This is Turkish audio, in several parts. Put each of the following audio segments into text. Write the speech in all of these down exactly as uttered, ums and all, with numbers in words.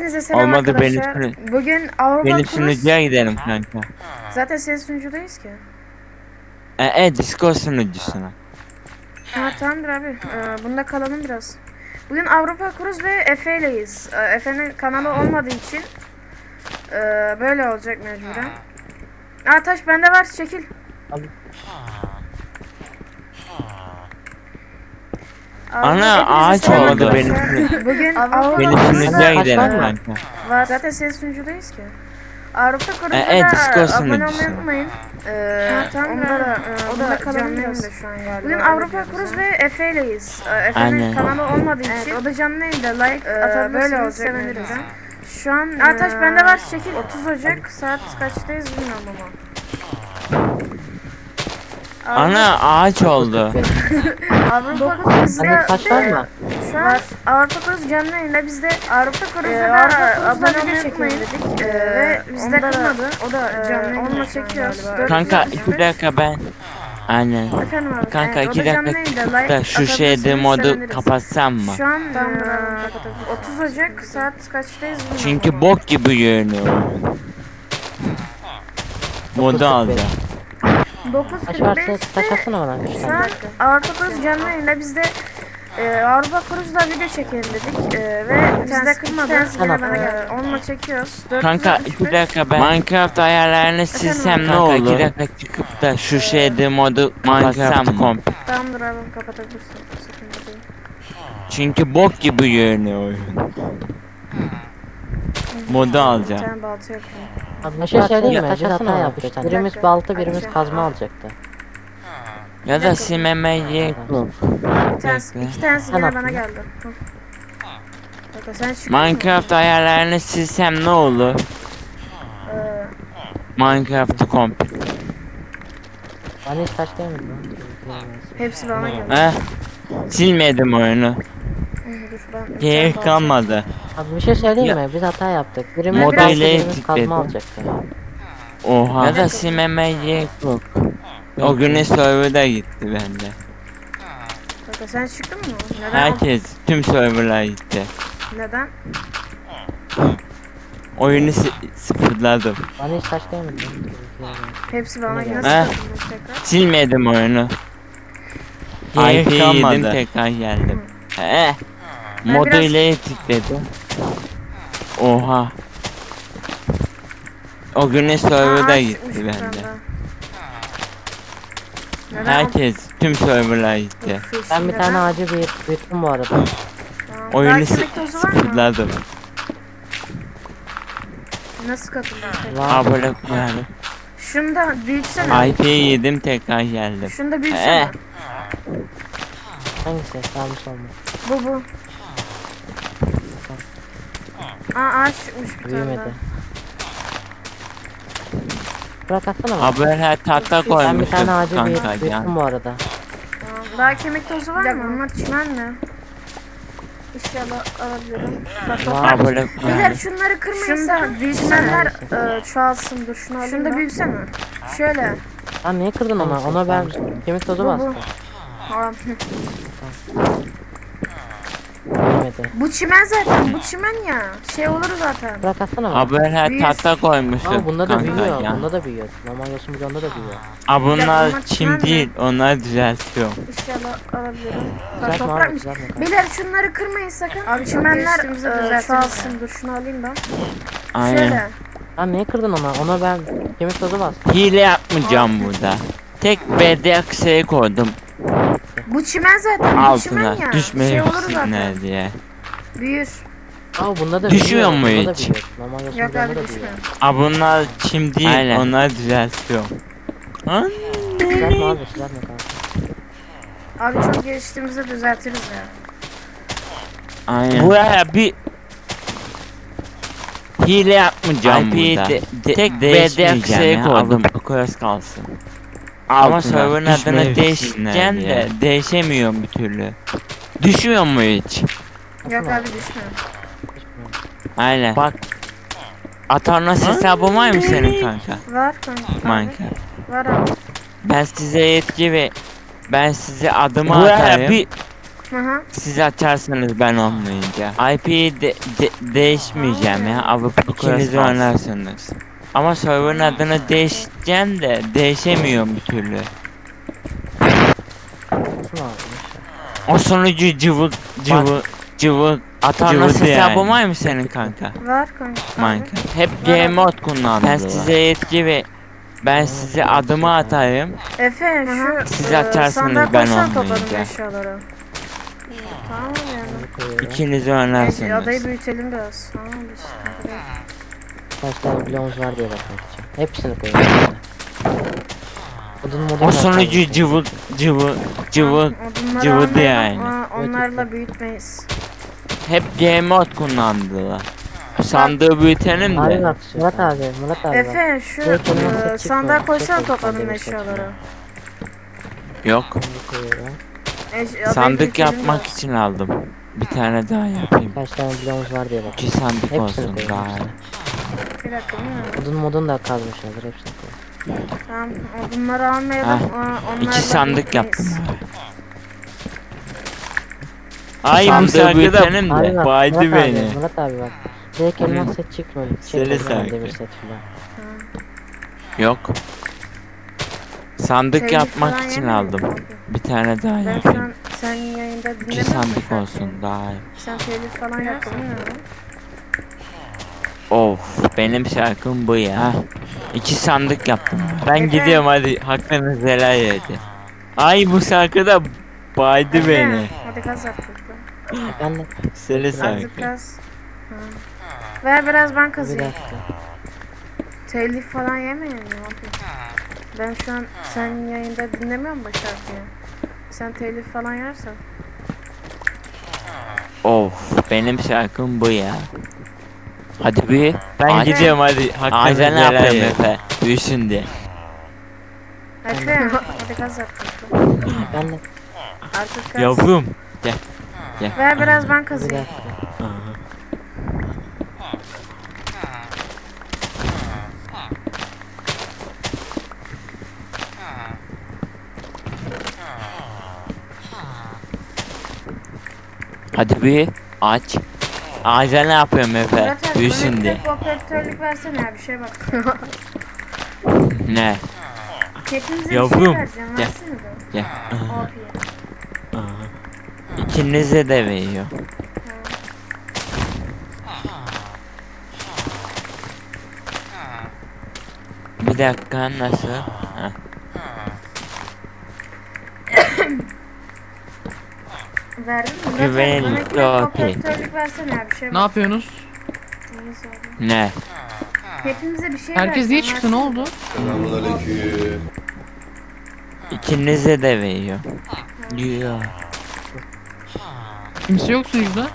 Hepinize selam Olmadı benim arkadaşlar. sunu- Bugün Avrupa benim Cruise. sunucuya gidelim kanka. Zaten senin sunucudayız ki. E, e Discord sunucusuna. Ha tamamdır abi. Ee, bunda kalalım biraz. Bugün Avrupa Cruise ve Efe'yleyiz. Ee, Efe'nin kanalı olmadığı için e, böyle olacak mecburen. Aa taş bende var, çekil. Abi. Ana, Hepinize ağaç selam olmadı arkadaşlar. benim. Bugün Avrupa Benim Cruise'da sunucuya Kaç gidelim var mı? kanka. var. Zaten senin sunucudayız ki. Avrupa Cruise'da E, e, da Discord abone olmayı sunucusu. unutmayın. Ee, Ha, tamam, onda ben- da, e, o da bunda canlı canlı yayında yayında şu an galiba. Bugün öyle Avrupa diyoruz Cruise ha. ve Efe'yleyiz. Ee, Efe'nin Aynen. kanalı olmadığı için Evet, o da canlı yayında like Ee, atabilirsiniz, böyle olacak seviniriz. mecburen. Şu an Ataş Ee, bende var, çekil. otuz Ocak saat kaçtayız bilmiyorum ama. Ana, ağaç oldu. Avrupa Cruise'da Hani taş var mı? Şu an Avrupa Cruise canlı yayında, biz de Avrupa Cruise'da Ee, da Avrupa abone Cruise'da olmayı video unutmayın çekelim dedik. dedik. Ee, ve bizde onda da- kırmadı. o da Ee, canlı yayında onunla şu an çekiyoruz. galiba. Dört Kanka yüz yetmiş beş. iki dakika ben. Aynen. Efendim abi. Kanka Evet, o iki da canlı dakika yayında, çıkıp like da şu şeyde atabilirsiniz, modu seviniriz. kapatsam mı? Şu an Tamamdır eee, abi, kapatabiliriz. otuz Ocak saat kaçtayız bilmiyorum Çünkü ama. bok gibi görünüyor. Modu alacağım. dokuz Taş kırk varsa beşte taş atsana bana üç şu tane. an Avrupa Cruise canlı yayında, biz de eee, Avrupa Cruise'da video çekelim dedik. Eee, ve bizde kırmadı. Tamam. Eee, onunla çekiyoruz. Kanka dört yüz iki yetmiş beş. dakika ben Minecraft ayarlarını silsem ne olur? iki dakika çıkıp da şu şeyde modu kapatsam mı? Tamamdır abi, kapatabilirsin. Sıkıntı değil. Çünkü bok gibi görünüyor oyun. Modu Bir alacağım. tane balta yapayım. Abi bir şey söyleyeyim mi? Taş Biz hata atsana yaptık. bana. Birimiz dakika. balta, birimiz Açacağım. kazma alacaktı. Ya da simemeye yok. Bir tanesi, Bekle. iki tanesi Sen yine attın bana mı? geldi. Hı. Bakın sen çıkıyor Minecraft ayarlarını silsem ne olur? Ee, Minecraft'ı komple. Bana hiç taş gelmedi lan. hepsi bana geldi. Eh. Silmedim oyunu. Hı, dur, ben bir tane Gerek balta kalmadı. Abi bir şey söyleyeyim Ya- mi? Biz hata yaptık. Birimiz Moda balta, ile birimiz kazma tıkladım. alacaktı. Oha. Ya da silmemeye yok. O güne serverda gitti bende. Bakın sen çıktın mı? Neden? Herkes, tüm serverlar gitti. Neden? Oyunu si- sıfırladım. Bana hiç taş gelmedi lan. Hepsi bana Yine geldi. geldi. Nasıl Eh. katılmış tekrar? Silmedim oyunu. Gerek I P kalmadı. yedim, Tekrar geldim. Eh. Ben Modu biraz- ile tıkladım. Oha. O güne serverda Aa, gitti çıkmış bir bende. tane daha. Neden? Herkes, tüm serverlar gitti. Of, yeşil Ben bir neden? tane ağacı büyüt, büyüttüm bu arada. Tamam. Oyunu Daha sı- kemik tozu var mı? sıfırladım. Nasıl katıldın tekrar? Var. Abone yani. Şunu da büyütsene. I P yedim, tekrar geldim. Şunu da büyütsene. Eh. Hangisi? Sağ mı sol mu? Bu bu. Aa ağaç çıkmış bir tane Büyümedi. daha. Bırak atsana bana. Abi her tahta Ben bir koymuşum tane ağacı kanka büyüt, ya. büyüttüm bu arada. Tamam. Daha kemik tozu var mı? Bunlar çimen mi? İnşallah alabilirim. Bak, Var. toprak. Abone Beyler yani. şunları kırmayın. Şunu da büyütsenler e, çoğalsın. Dur şunu alayım. Şunu da büyütsene. Şöyle. Lan niye kırdın ona? Ona ben kemik tozu Bu bu. bastım. Tamam. Büyümedi. Bu çimen zaten. Bu çimen ya. Şey olur zaten. Bırak atsana bana. Abi her Büyür. tahta koymuşum Ama bunda da kanka büyüyor. ya. Bunda da büyüyor. Normal yosun bidonda da büyüyor. Abi Ya bunlar bunlar çim çimen değil, onları düzeltiyorum. İnşallah alabilirim. Bak Düzeltme abi, toprakmış. düzeltme kanka. Beyler şunları kırmayın sakın. Abi çimenler e, çoğalsın. Dur şunu alayım ben. Aynen. Şöyle. Lan niye kırdın ona? Ona ben kemik tozu bastım. Hile yapmayacağım burada. Tek bedek şey koydum Bu çimen zaten. Bu çimen altına, ya. Şey olur zaten. düşmesinler diye. Büyür. Aa bunda da Düşüyor büyüyor. mu Bunda da hiç? büyüyor. Normal yosun Yok bidonda abi da düşmüyor. büyüyor. Abi bunlar çim değil, onları düzeltiyorum. An- Düzeltme abi düzeltme kanka. Abi çok geliştiğimizde düzeltiriz ya. Aynen. Buraya bir hile yapmayacağım burada. De, de, tek bedek şey koydum. Koyas kalsın. Ama server'ın adını değiştireceğim de değişemiyorum bir türlü. Düşüyor mu hiç? Yok abi düşmüyor. Aynen. Bak. Atarnas hesabı var mı senin kanka? Var kanka. Minecraft. Var abi. Ben size yetki ve ben size adımı atarım. Bir Hı hı. Siz açarsanız ben olmayınca. I P'yi de, de- değişmeyeceğim ya. Avrupa ikiniz oynarsınız. Ama server'ın adını değişeceğim de değişemiyorum bir türlü. Şunu aldım. O sonucu cıvı cıvı cıvı Atarnas hesabı var mı senin kanka? Var kanka. Minecraft. Hep game mod kullandım. Ben size yetki ve ben size adımı atarım. Efe şu Siz e, açarsanız sandığa ben koysana topladım olmayınca. eşyaları. Tamam yani. Bunu koyuyorum. İkiniz Neyse, adayı oynarsınız. büyütelim biraz. Tamam biz. Kaç tane bloğumuz var diye bakmak için. Hepsini koyuyorum. Odun modun O sonucu cıvı cıvı cıvı Odunları cıvıdı almayalım, yani. aa, Onlarla büyütmeyiz. hep game mod kullandılar. Sandığı büyütelim Abi de. bak Murat abi, Murat abi bak. Efe şu Direkt önüme e, set sandığa çıkmadı. koysana Set topladım çıkmadı, eşyaları. Yok. Bunu koyuyorum. Eş, adayı Sandık büyütelim yapmak biraz. için aldım. Bir tane daha yapayım. Kaç tane bloğumuz var diye bak. İki sandık Hepsini olsun koyuyorum, daha. hepsini. Bir dakika değil mi? Odun modun da kazmışlardır hepsini koy. Tamam odunları almayalım. Heh, aa, onlarla İki sandık yaptım. büyütmeyiz. Ay bu Sandığı sandığı büyütelim Abi de. bak, Baydı Murat beni. Abi, Murat abi bak. Direkt elmas set çıkmıyor. Seni Çek sanki. oradan demir set falan. Yok. Sandık Telif yapmak falan için yemiyor aldım. musun? Bir tane daha Ben şu yapayım. an sen yayında İki dinlemiyor musun sandık şarkıyı? olsun daha iyi. Sen telif falan yaptın değil mi? Of benim şarkım bu ya. İki sandık yaptım. Ben Efe. gidiyorum hadi hakkınızı helal edin. Ay bu şarkıda baydı Efe, beni. hadi gaz artık. Ben de Seni Azıcık sanki. gaz. Ha. Ver biraz ben bir kazıyım. dakika. Telif falan yemeyin ya. abi. Ben şu an sen yayında dinlemiyorum bu şarkıyı. Sen telif falan yersen. Of benim şarkım bu ya. Hadi bir. Ben Hadi. gidiyorum hadi. Hakkınızı Aynen, helal yapayım. edin. Efe. Büyüsün diye. Efe hadi gaz artık. Ben de Artık gaz. Yavrum. Gel. Gel. Ver biraz ben bir kazıyım. dakika. Hadi bir aç. Ağaca ne yapıyorum Efe? Murat abi bana Büyüsün bir diye. de operatörlük versene ya bir şey bak. Ne? Hepinize bir Yavrum, şey vereceğim gel. versene de. Gel. O P'ye. İkinize de veriyor. Bir dakika nasıl? Heh. Verdin mi? Murat abi Güvenilir, bana bir de okey. operatörlük versene ya bir şey Ne bak. yapıyorsunuz? Neyse abi. Ne? Hepimize bir şey Herkes niye vereceğim, çıktı? Ne versene. oldu? Selamünaleyküm. İkinize de veriyor. Diyor. Kimse yok sunucuda.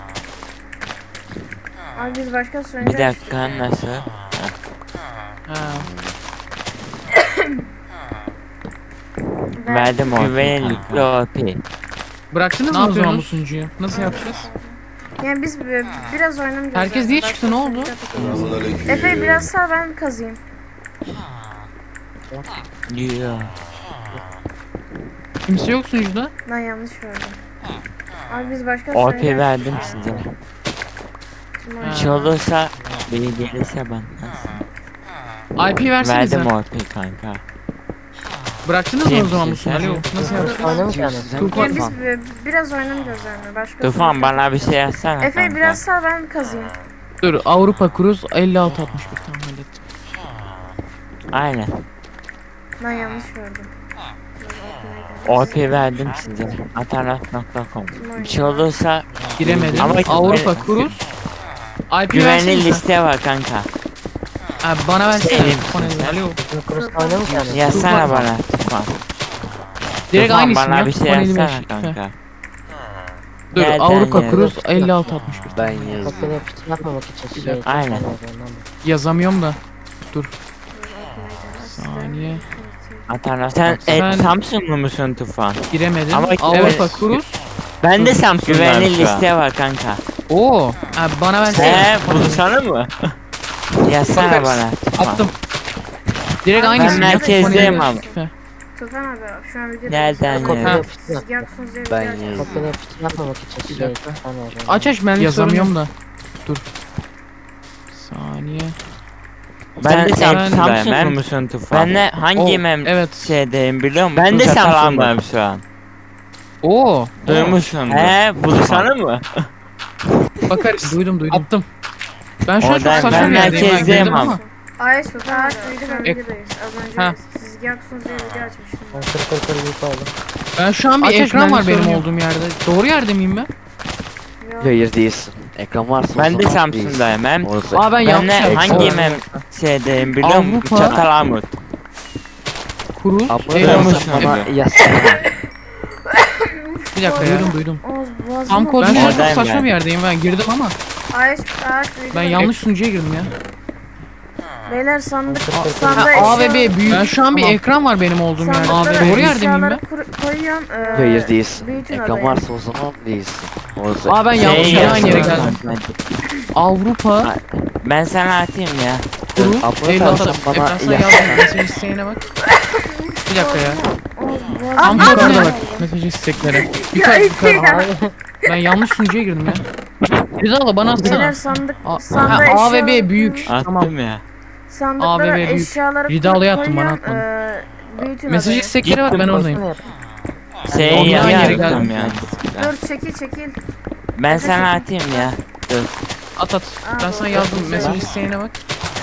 Abi biz başka Bir söyleyeceğiz. dakika nasıl? Ha. Verdim o güvenlikli O P. Bıraktınız mı o zaman bu sunucuyu? Nasıl yapacağız? Yani biz bi- biraz oynamayacağız. Herkes zaten. niye Başka çıktı, ne oldu? söyleyeceğiz. Selamünaleyküm. Efe biraz sağ ben kazıyım. Diyor. Kimse yok sunucuda. Ben yanlış verdim. Abi biz başka O P söyleyeceğiz. verdim size. Kim Ha. oynuyor? Bir şey olursa beni gelirse bana. I P versenize. Verdim O P kanka. Bıraktınız mı o zaman bu Kimsin sen? sunucuyu? Nasıl yapacağız? Oynamayacağız. Tufan. Yani biz bi- biraz oynamayacağız yani. Başka Tufan söyleyeceğiz. bana bir şey yazsana Efe kanka. biraz sağ ben kazıyım. Dur Avrupa Cruz elli altı altmış bir tamam hallettim. Aynen. Ben yanlış verdim. O P verdim size. Atarat nokta com. Bir şey olursa Giremedim. Ama- Avrupa Cruz. I P güvenli versenize. liste var kanka. Ha, bana versene. Senin Tufan misin elli. Alo. Kurus'ta oynamayacağız. Yazsana Tufan. bana Tufan. Direkt Tufan aynı isim bana ya. bir şey Tufan elli beş. yazsana lütfen. kanka. Dur Nereden Avrupa ya? Cruz elli altı altmış bir. Ben yazdım. Kopyala yapıştır yapmamak için şey. Aynen. Yazamıyorum da. Dur. Saniye. Atarat. Sen, Sen- e, Samsunlu musun Tufan? Giremedim. Ama Avrupa evet. Cruz. Ben de Dur, Samsun'dayım Güvenli liste var kanka. Oo. Ha, bana versene. He bulsana mı? Yazsana Bakarız. bana Tufan. Attım. Direkt Ben aynı isim ya. merkezdeyim Tufan elli beş abi. lütfen. Tufan abi şu an video Nereden Kopya ya? yapıştır. Siz yapsınız diye Ben video açmıştım. yazdım. Kopyala yapıştır yapmamak için Bir şey. dakika. Tamam, tamam. Aç aç benlik yazamıyorum sorun da. Dur. Saniye. Ben de sen- Samsun'da ben- ben musun Tufan? Ben de hangi Oh, mem evet. şeydeyim biliyor musun? Ben de Çatal Samsun'dayım şu an. Oo. Duymuşsun. He buluşalım mı? Bakarız. Duydum duydum. Attım. Ben şu an çok Oradan saçma ben bir yerdeyim. Ben merkezdeyim girdim ama. ama. Ayş Tufan abi şu an Ek- videodayız. Az önce Ha. siz yapsınız diye video açmıştım. Ben kır kır kır büyük oldu. Ben şu an bir Aç aç, ekran var benlik benim sorun yok. olduğum yerde. Doğru yerde miyim ben? Yok. Hayır değilsin. Ekran varsa Ben o de zaman Samsun'dayım. Hem değilsin. Orası. Aa ben ben yanlış de yaptım. hangi mem şeydeyim biliyor musun? Avrupa- Çatalamut. Kuruz. Abla Eyvallah. Duymuş sen bana gibi. yazsana. Bir dakika ya. Duydum duydum. Oğuz boğazım Tam oldu. kodu Ben çok oradayım saçma yani. bir yerdeyim ben girdim ama Ayş Ayş ben yanlış sunucuya girdim ya. Beyler sandık Ha, sandık A ve B büyük. Ben şu an bir ekran var benim olduğum yerde. A ve Doğru yerde miyim ben? Koyuyorsun. e, Hayır değilsin. büyütün Ekran odayı. varsa o zaman değilsin. Orası. Aa ben yanlış Şey yere aynı yere yazıyor. geldim. Avrupa. Ben sana atayım ya. Kuruz. Abla Eyvallah. sen bana Ekran sana yazsana. yazdım. Mesaj isteğine bak. Bir dakika ya. Oğuz boğazım Tam oldu. yukarıda bak. Mesaj isteklere. Yukarı yukarı. Abi Ben yanlış sunucuya girdim ya. Rızalı bana Beyler atsana. sandık A, sandığa ha, A ve eşyaları B büyük. koyun. Tamam. Attım ya. Sandıklara A ve B büyük. eşyaları Ridalı'ya koy- attım, bana koyuyorsun, atmadın. e, büyütün Mesaj odayı. istekleri bak ben oradayım. Şey Ondan yere yaptım geldim. yani. Dur çekil çekil. Ben sana atayım ya. At at. Ben sana yazdım. Mesaj isteğine bak.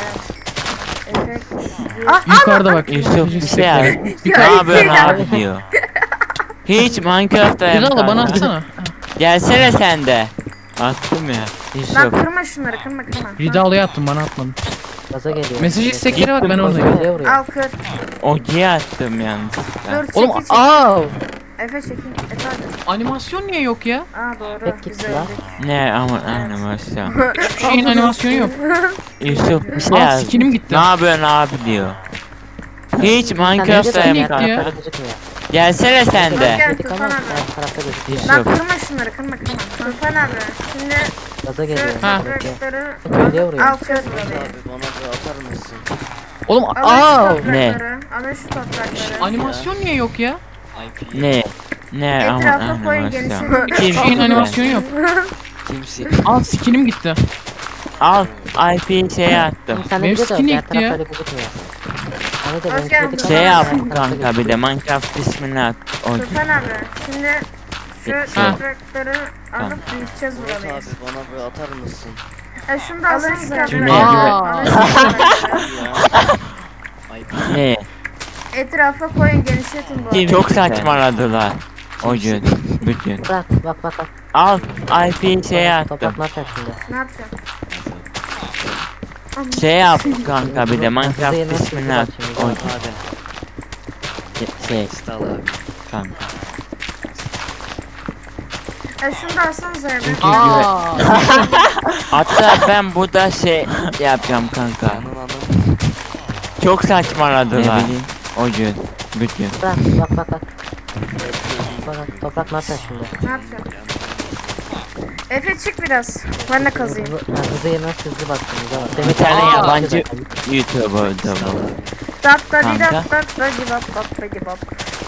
Efekt. Ah, Yukarıda bak. Yusuf Mesaj bir şey istekleri. yaz. Ya, Ne yapıyorsun ya. abi diyor. Hiç Minecraft'ta Rızalı bana atsana. Gelsene sen de. Attım ya. Lan Yusuf. kırma şunları kırma kırma. Ridalı'ya attım bana atmadın. gaza geliyor. Mesaj istekleri bak ben Gittim, oradayım. Vuruyor vuruyor. Al kır. Ogi'ye attım yanlışlıkla. Dur çekil Oğlum çekil. aa Efe çekil. Efe hadi. animasyon niye yok ya? Aa doğru. Tek git Güzel lan. öldük. Ne ama animasyon. Hiçbir şeyin animasyonu yok. Yusuf bir şey Aa yaz. skinim gitti. Ne yapıyorsun abi diyor. Hiç Sen Minecraft'ta nerede gitti sen? ya? Tarafta gözükmüyor. Gelsene sen de. Gel Dedik Tufan ama abi. ben tarafta gözüküyor. Lan Yusuf. kırma şunları kırma kırma. Tufan abi. Şimdi Gaza geliyor. şu Ha. toprakları Vuruyor vuruyor. al kır burayı. Bana bir atar mısın? Oğlum Alın aa şu toprakları. Alın şu toprakları. animasyon niye yok ya? Ne? Ne ama Etrafa koyun animasyon. genişletin. Hiçbir şeyin animasyonu yok. Kimsin? Aa skinim gitti. Al I P'yi şeye attım. Şimdi sen de Benim bir de skin diğer ekti ya. tarafta öyle gözükmüyor. Hani de Hoş benimki geldin. dedik Şey ama yap diğer tarafta kanka bir de gözüküyor. Minecraft ismini at. Ogi. Tufan abi. Şimdi şu Ha. toprakları alıp büyüteceğiz burayı. Abi bana bir atar mısın? E şunu da alın şu Cümleye toprakları. göre. Alın şu toprakları. Ne? Etrafa koyun genişletin bu arada. Çok saçmaladılar. O gün. Bütün. Bırak bak bak bak. Al I P'yi şeye attım. Toprak ne yapacak şimdi? Ne yapacağım? Şey yap kanka bir de Hızlı Minecraft yerine ismini sürücü at. bak şimdi. Ogi. Hadi. Şey İşte al abi. kanka. E şunu da alsanıza ya. ben- Aa. Hatta ben burada şey yapacağım kanka. Anın anın. Çok saçmaladılar. O gün. Bütün. Bırak bak bak bak. Bak bak toprak ne yapacak şimdi? Ne yapacağım? Efe çık biraz. Ben de kazıyım. Hızlı, ha, hızlı yerine hızlı bak şimdi. Bak. Bir Demek tane Aa, yabancı zaten. YouTuber'da bu. Dat da di Kanka. dat dat da di bap bap da di bap.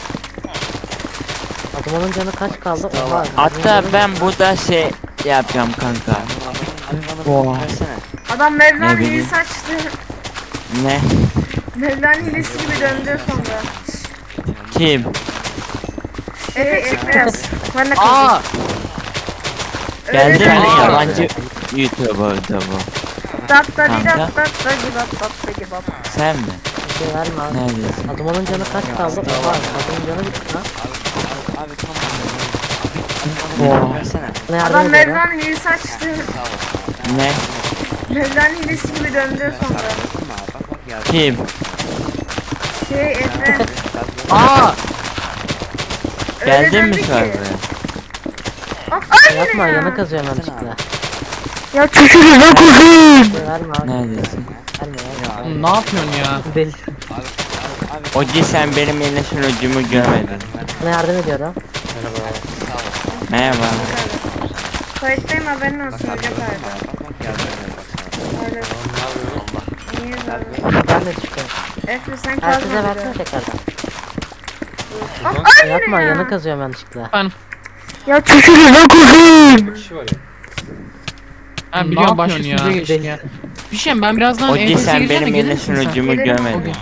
Adamın canı kaç kaldı? Oha. Hatta ben burada şey yapacağım kanka. Abi bana bir versene. Adam Mevlana Ne bileyim. hilesi açtı. Ne? Mevlana hilesi gibi döndü sonra. Kim? Efe çık biraz. Ben de kazıyım. Aa. Geldi mi Öyle de- yabancı YouTuber'da bu? Dat da di Kanka. dat dat da di bap bap da di bap. Sen mi? Bir şey verme abi. Neredesin? Adamın canı kaç kaldı? Oha. Adamın canı bitti lan. Abi tamam. Bana bir versene. Ne yardım Adam ediyorum? Mevlana hilesi açtı. Ne? Mevlana hilesi gibi döndü sonra. Bak bak ya. Kim? Şey Efe. Aa. öyle Geldin mi döndü ki. server'a? Ah, ay Yapma yine ya. yana kazıyorum yanlışlıkla. Ya çüşürüz lan kuzum. Bir şey verme abi. Neredesin? Verme ya. Oğlum ne yapıyorsun ya? Deli. Ogi sen benim yine sunucumu görmedin. Sana yardım ediyorum. Merhaba. Kayıttayım haberin olsun hoca kaydı. Bak yardım ederim bak sana. Öyle. Niye böyle? Ben de düştüm. Efe sen Herkese kazma versene dedi. tekrardan. Yapma yanı kazıyorum yanlışlıkla. Efendim. Ya çekilin lan kuzum. Ha Ne biliyorum başka yapıyorsun sunucuya ya? geçtik ya. Bir şey ben birazdan Ogi E T S'ye sen gireceğim de benim gelir yeni misin sen? sunucumu Gelirim görmedin.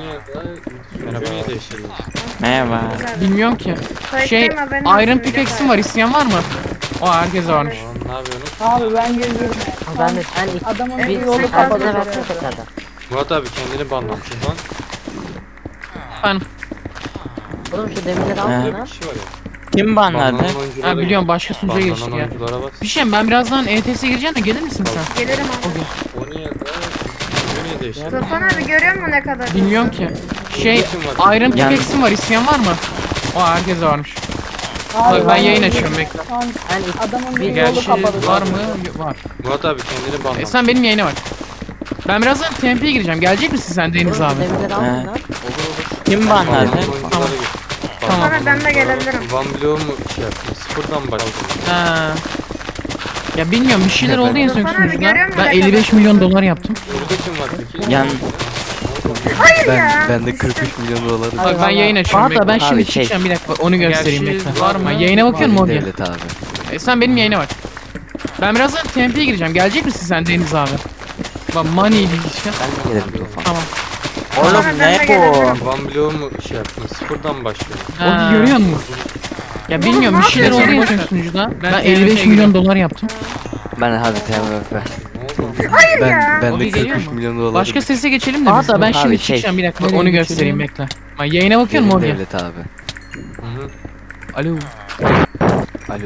Merhaba. Bilmiyorum ki. Şey Kayıttayım, haberin olsun, Iron bir Pickaxe'im defa. var, isteyen var mı? O herkese varmış. Abi ben geliyorum. Ama ben de sen ilk Adamın bir bir yolu bir kapalı. abone versene tekrardan. Murat abi kendini banlamışsın lan. Efendim. Oğlum şu demirleri al He. lan. Kişi var ya. Kim banladı? Banlanan oyunculara Ha git. biliyorum başka sunucuya geçtik Banlanan ya. oyunculara bas. Bir şey ben birazdan E T S'ye gireceğim de gelir misin sen? Gelirim abi. O niye da? O niye değişti? Tufan abi görüyor musun ne kadar? Bilmiyorum ki. Şey Iron Pickaxe'im var, isteyen var mı? O herkese varmış. Abi, Bak ben yayın açıyorum bekle. Şu an Ben ilk adamın bir yolu Gerçi kapalı. var mı? Var. Murat abi kendini E banlamışsın. sen benim yayına bak. Ben birazdan T M P'ye gireceğim. Gelecek misin sen Deniz oğlum abi? şu demirleri al He. lan. Kim Banlanan banladı? oyunculara git. Tamam. Sonra ben de gelebilirim. Van Blow mu şey yaptın? Sıfırdan başladın. Ha. Ya bilmiyorum bir şeyler oldu en son Tufan abi sunucuda. görüyor musun Ben ne elli beş kadar? milyon dolar yaptım. Burada kim var peki? Yan Hayır ya. Ben de kırk üç milyon doları Bak ben yayın açıyorum. Hatta Hatta ben Abi şimdi şey- çıkacağım bir dakika onu göstereyim Gerçi bekle. var mı? Ha, yayına bakıyorum mu Ogi? devlet abi. E, sen benim yayına bak. Ben birazdan T M P'ye gireceğim. Gelecek misin sen Deniz abi? Bak money bir işte. Ben de gelirim Tufan. Tamam. oğlum Sonra ben ne de bu? gelebilirim. Van Blow mu şey yaptın? Sıfırdan başlıyor. Ogi görüyor musun? Ya bilmiyorum ne bir şeyler oldu en yapıyorsun? son sunucuda. Ben elli beş milyon dolar yaptım. Ben hadi T M F. Ne oldu? Hayır Ben ya. ben Ogi de geliyor kırk üç mu? milyon doları. Başka sese geçelim de biz. Hatta Ben Abi şimdi şey- çıkacağım bir dakika bak, Nereye onu geçelim? göstereyim bekle. Ben yayına bakıyorum mu Ogi? devlet abi. Hı hı. Alo. Alo.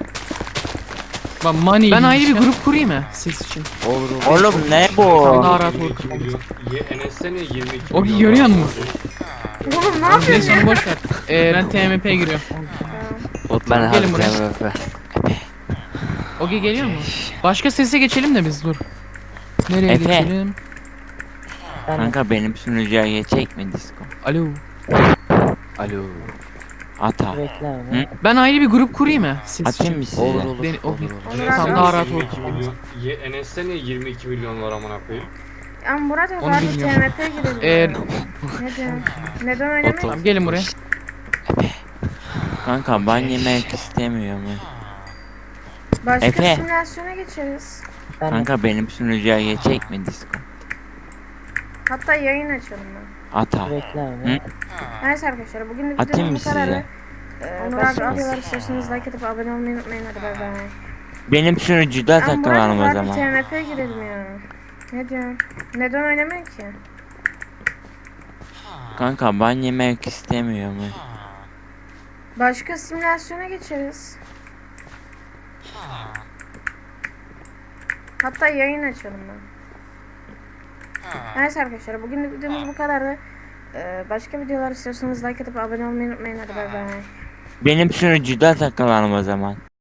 Bak money Ben ayrı bir grup kurayım mı ses için? Olur olur. Oğlum ne bu? Daha rahat olur. yirmi iki milyon. Ye- Enes'te niye yirmi iki Ogi milyon görüyor var? musun? Oğlum ne yapıyorsun Neyse ya? onu boş ver. Ee, ben T M P'ye giriyorum. Ben hadi Gelin T buraya. M F. Ogi geliyor mu? Başka sese geçelim de biz dur. Nereye Efe. geçelim? Ben Kanka benim sunucuya geçecek mi disco? Alo. Alo. Ata. bekle Hı? abi. Ben ayrı bir grup kurayım mı? Ses Atayım için. mı size? Olur olur. Beni- olur, Ogi. olur. Onur Tamam, abi. daha rahat yirmi olur. iki milyon. Ye- Enes'te niye yirmi iki milyon var amına koyayım? Ya Murat abi Onu hadi bilmiyorum. T M P'ye girelim. Ee, ya. Neden? Neden oynamayız? Tamam gelin buraya. Kanka ban yemek istemiyorum. Başka Efe. simülasyona geçeriz. Ben Kanka benim sunucuya geçecek mi disco? Hatta yayın açalım ben. Ata. bekle Hı? abi. Neyse arkadaşlar bugün de Atayım videomuz mı bu kadar. size? Ee, Onur abi videolar istiyorsanız like atıp abone olmayı unutmayın, hadi bay bay. Benim sunucuda Ya Murat takılalım o abi zaman. T M P'ye girelim ya. Ne diyorsun? Neden oynamayın ki? Kanka ban yemek istemiyorum. Başka simülasyona geçeriz. Hatta yayın açalım ben. Neyse arkadaşlar bugün de videomuz bu kadardı. Ee, başka videolar istiyorsanız like atıp abone olmayı unutmayın, hadi bay bay. Benim sunucuda takılalım o zaman.